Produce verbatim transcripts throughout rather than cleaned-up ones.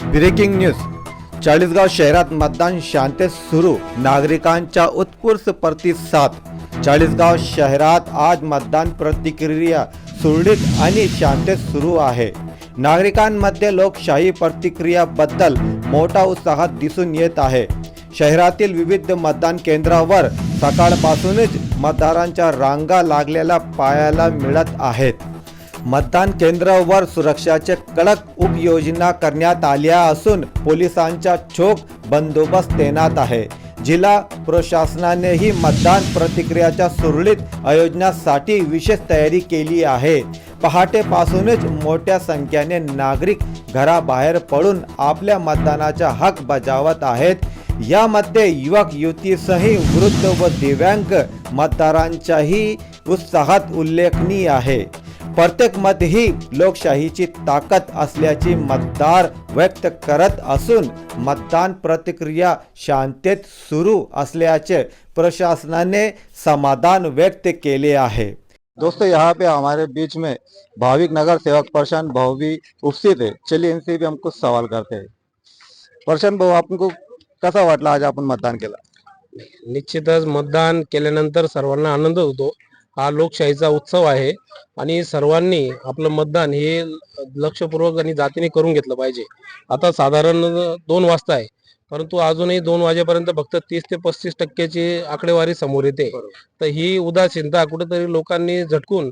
Breaking news. Chalisgaon शहरात मतदान शांततेत सुरू, नागरिकांचा उत्स्फूर्त प्रतिसाद। चाळीसगाव शहरात आज मतदान प्रतिक्रिया सुरळीत आणि शांततेत सुरू आहे। नागरिकांमध्ये लोकशाही प्रतिक्रियाबद्दल मोठा उत्साह दिसून येत आहे। शहरातील विविध मतदान केंद्रावर सकाळपासूनच मतदारांच्या रांगा लागलेल्या पाहायला मिळत आहेत। मतदान केंद्रावर सुरक्षाचे कडक उपाययोजना करण्यात आल्या असून पोलिसांचा चोख बंदोबस्त तैनात आहे। जिल्हा प्रशासनानेही मतदान प्रतिक्रियाच्या सुरळीत आयोजनासाठी विशेष तयारी केली आहे। पहाटेपासूनच मोठ्या संख्येने नागरिक घराबाहेर पडून आपल्या मतदानाचा हक बजावत आहेत। यामध्ये युवक युवतीसह वृद्ध व दिव्यांग मतदारांचाही उत्साहात उल्लेखनीय आहे। प्रत्येक मत ही लोकशाहीची ताकद असल्याची मतदार व्यक्त करत असून मतदान प्रतिक्रिया शांततेत सुरू असल्याचे प्रशासनाने समाधान व्यक्त केले आहे। दोस्तों, यहाँ पे हमारे बीच में भाविक नगर सेवक प्रशांत भाऊ भी उपस्थित है। चलिए इनसे भी हम कुछ सवाल करते हैं। प्रशांत भाऊ, आपको कसा वाटला आज आपण मतदान केलं? निश्चितच मतदान केल्यानंतर सर्वांना आनंद होतो। हा लोकशाहीचा उत्सव आहे आणि सर्वांनी आपलं मतदान हे लक्षपूर्वक आणि जातीने करून घेतलं पाहिजे। आता साधारण दोन वाजता आहे, परंतु अजूनही दोन वाजेपर्यंत फक्त तीस ते पस्तीस टक्क्याची आकडेवारी समोर येते। तर ही उदासीनता कुठेतरी लोकांनी झटकून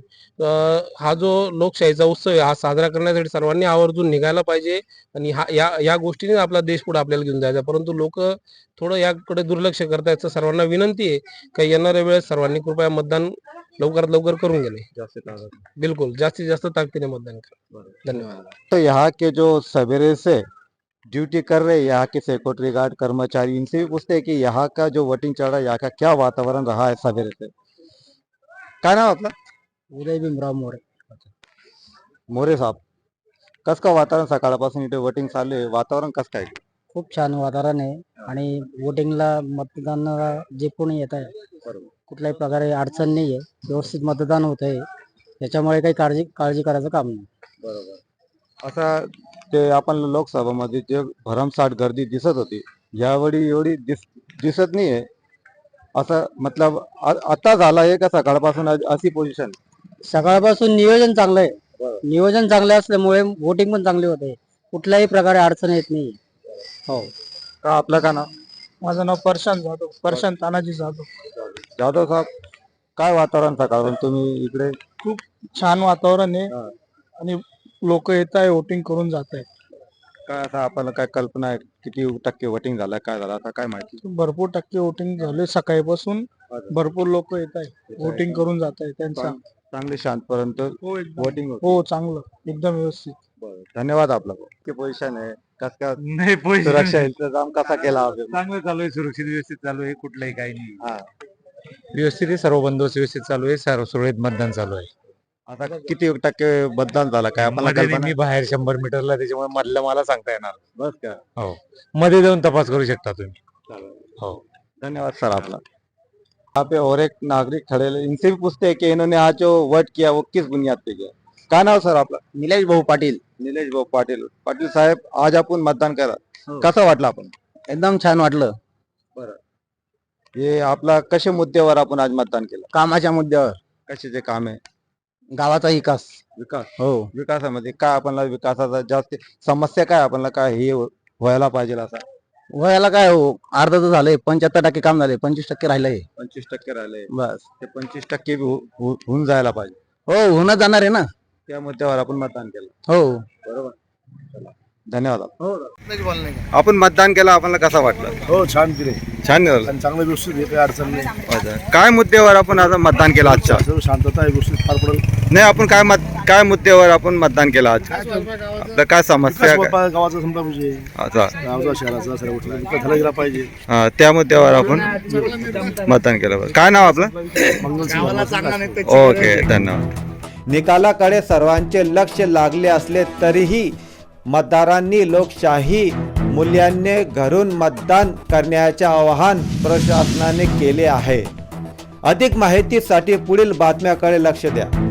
हा जो लोकशाहीचा उत्सव आहे हा साजरा करण्यासाठी सर्वांनी आवर्जून निघायला पाहिजे आणि हा या या गोष्टीने आपला देश पुढे आपल्याला घेऊन जायचा। परंतु लोक थोडं याकडे दुर्लक्ष करतायत। तर सर्वांना विनंती आहे की येणाऱ्या वेळेस सर्वांनी कृपया मतदान लवकरात लवकर करून गेले। बिल्कुल जास्तीत जास्त ताकदीने मतदान करा। धन्यवाद। तो यहाँ के जो सवेरे से ड्यूटी कर रहे यहाँ के सिक्योरिटी गार्ड कर्मचारी, इनसे भी पूछते हैं कि यहाँ का जो वोटिंग चल रहा है, यहाँ का क्या वातावरण रहा है सवेरे से? काय नाव आपलं? उदय भीमराव मोरे। मोरे साहब, कस का वातावरण सकाळपासून इथे वोटिंग चालू आहे, वातावरण कस काय? खूप छान वातावरण आहे आणि वोटिंगला मतदानाला जे कोणी येत आहे कुठल्याही प्रकारे अडचण नाही आहे, व्यवस्थित मतदान होत आहे। त्याच्यामुळे काही काळजी काळजी करायचं काम नाही। बरोबर। असा ते आपण लोकसभामध्ये जे भरमसाठ गर्दी दिसत होती, यावेळी एवढी दिस दिसत नाहीये असं, मतलब आता झाला आहे का सकाळपासून अशी पोझिशन? सकाळपासून नियोजन चांगलं आहे। नियोजन चांगलं असल्यामुळे वोटिंग पण चांगली होते, कुठल्याही प्रकारे अडचण येत नाही। हो का? आपलं का नाव? माझं नाव प्रशांत जाधव, प्रशांत तानाजी जाधव। जाधव साहेब, काय वातावरण सकाळपासून तुम्ही इकडे? खूप छान वातावरण आहे आणि लोक येत आहे, वोटिंग करून जात आहे। काय असं आपल्याला काय कल्पना आहे किती टक्के वोटिंग झालं, काय झालं आता काय माहिती? भरपूर टक्के वोटिंग झाले, सकाळपासून भरपूर लोक येत आहे, वोटिंग करून जात आहे। त्यांचा चांगली शांतपर्यंत वोटिंग हो चांगलं, एकदम व्यवस्थित। धन्यवाद। आपला की पोझिशन आहे कस का? नाही, सुरक्षा इंतजाम कसा केला? चांगलं चालू आहे, सुरक्षित व्यवस्थित चालू आहे, कुठलंही काही नाही। हा, व्यवस्थित आहे, सर्व बंदोबस्त व्यवस्थित चालू आहे, सर्व सुरळीत मतदान चालू आहे। आता किती टक्के मतदान झालं काय आपल्याला मध्ये कल्पना? मी बाहेर शंभर मीटरला, त्याच्यामुळे मधलं मला सांगता येणार। बस का? हो, मध्ये जाऊन तपास करू शकता तुम्ही। हो, धन्यवाद सर आपला। यहाँ पे और एक नागरिक खड़े हैं, इनसे भी पूछते हैं कि इन्होंने आज जो वोट किया वो किस बुनियाद पे किया। काय नाव सर आपला? निलेश भाऊ पाटील। निलेश भाऊ पाटील। पाटील साहेब, आज आपण मतदान केलं, कसं वाटलं आपण? एकदम छान वाटलं। हे आपला कशा मुद्द्यावर आपण आज मतदान केलं? कामाच्या मुद्द्यावर, कशाचे काम आहे? गावाचा विकास। विकास। हो, विकासामध्ये काय आपल्याला विकासाचा जास्त समस्या काय आपल्याला काय हे व्हायला पाहिजे असं? वयाला काय हो, अर्ध तर झालंय, पंच्याहत्तर टक्के काम झाले, पंचवीस टक्के राहिलंय पंचवीस टक्के राहिले, बस। ते पंचवीस टक्के बी हो- हो- होऊन जायला पाहिजे। हो, होणं जाणार आहे ना। त्या मुद्द्यावर आपण मतदान केलं, हो, बरोबर। धन्यवाद। आपण मतदान केलं, आपल्याला कसं वाटलं? हो, छान केले, छान झालं, आणि चांगलं व्यवस्थित आहे, काही अडचण नाही। काय मुद्द्यावर आपण आता मतदान केलं आजच्या? सर्व शांतता आहे, व्यवस्थित पार पडेल। नाही, आपण काय मत काय मुद्द्यावर आपण मतदान केलं आज? आपलं काय समस्या विकास काय? बाबा गावाचा समजा म्हणजे अच्छा, गावचा शहराचा सर्व गोष्टी विकास झाला गेला पाहिजे। हा, त्या मुद्द्यावर आपण मतदान केलं पाहिजे। काय नाव आपलं? मंगल ओके, धन्यवाद। निकालाकडे सर्वांचे लक्ष लागले असले तरीही मतदारांनी लोकशाही मूल्यांनी घरून मतदान करण्याचे आवाहन प्रशासनाने केले आहे। अधिक माहितीसाठी पुढील बातम्याकडे लक्ष द्या।